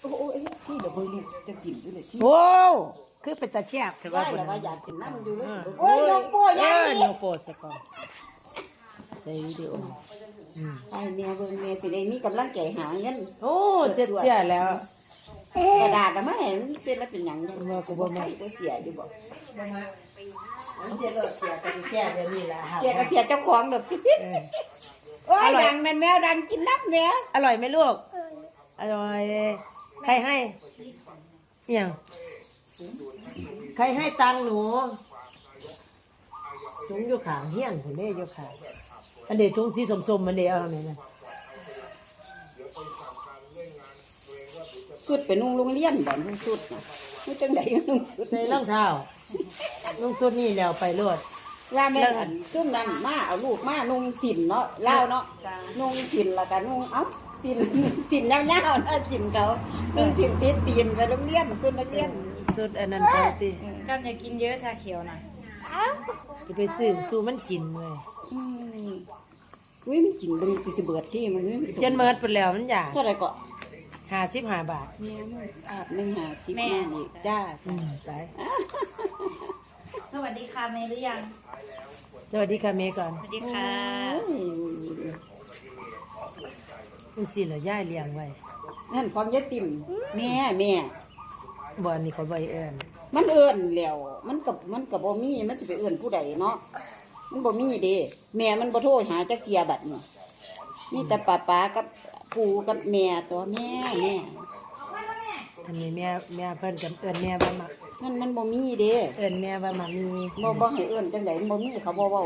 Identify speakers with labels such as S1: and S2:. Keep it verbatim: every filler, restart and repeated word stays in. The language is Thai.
S1: โอ้ยพี่เดี๋ยวเบิ่งจะกินด้วยเลยที่
S2: โอ้คือเป็นตาแซ่บแต่ว่า
S1: ได้
S2: เพิ่น
S1: แล้วว่าอยากกินน้ำอยู่เลย
S2: โอ้
S1: โอ้ยยกโป้ยัง
S2: เออ
S1: นี่
S2: ยกโป้ซะก่อนใส่วิดีโออืม
S1: ไอ้แม่เบิ่งแม่สิได้มีกำลังใจหาเงิน
S2: โอ้เจ็ดเสียแล้ว
S1: กระดาษน่ะมาเห็นเป็นแล้วเป็นหยังยัง
S2: ว่ากูบ่แม่
S1: บ่เสียอยู่บ่
S2: เสียเลิกเสียกันแค่เดี๋ยวนี้ล่ะ
S1: เสียก็เสียเจ้าของดอก
S2: เออ
S1: โอ้ยดังนั่นแมวดังกินน้ำแม่
S2: อร่อยไหมลูกอร่อยใครให้เอี่ยงใครให้ตังค์หนูถุงอยู่ขางเฮี้ยนผมเด้อยู่ขางอันเดถุงสีสมๆมันเดเอาไหนนะ
S1: สุดไปนุ่งโรงเรียนบ่นุ่งสุดน่ะนุ่งจังไดก็นุ่งสุด
S2: ใส่รองเท้าลุงสุดนี่แล้วไปรวด
S1: ว่าแม่อันซุ่มนั้นมาเอาลูกมานุ่งสินเนาะเล่าวเนาะนุ่งสินแล้วก็นุ่งเอ้าสินสินยาวๆนะสินเขานุ่งสินติดตีนไปโรงเรียนสุดนักเรียน
S2: สุดอันนั้นเขาติ
S3: กันอย่ากินเยอะชาเขียวนะ
S2: จะไปซื้อสู้มันกินเลย
S1: อืมอุ้ยมันกินเบิ่งสิสิเบิดที่มันอุ้ย
S2: จนเมิดไปแล้วมันอยาก
S1: เท่าไหร่ก็
S2: ห้าสิบห้าบาท
S1: แม่มึงอาบหนึ่งหาสิบแม่อีกจ้า
S2: อืมไป
S3: สวัสดีค่ะเมย์หรือยัง
S2: สวัสดีค่ะเมย์ก่อน
S3: สวัสดีค่ะ
S2: มันสิเหรอย่ายเลี้ยงไว้
S1: นั่นความยายติ่มแม่แม่
S2: บ่อนนี่เขาใบเอิญ
S1: มันเอิ้นแล้วมันกับมันกับบ่มีมันสิไปเอิ้นผู้ใดเนาะมันบ่มีเด้แม่มันบ่โทรหาจักเกียบัดนี่มีแต่ป้าป้ากับปู่กับแม่ตัวแม่แม่
S2: อันนี้แม่แม่เพิ่นกับเอิญแม่ว่ามา
S1: มันมันบ่มีเด้
S2: เอิญแม่ว่ามามี
S1: บ่บ่ให้เอิ้นจังได๋มันบ่มีเขาบ่เว้า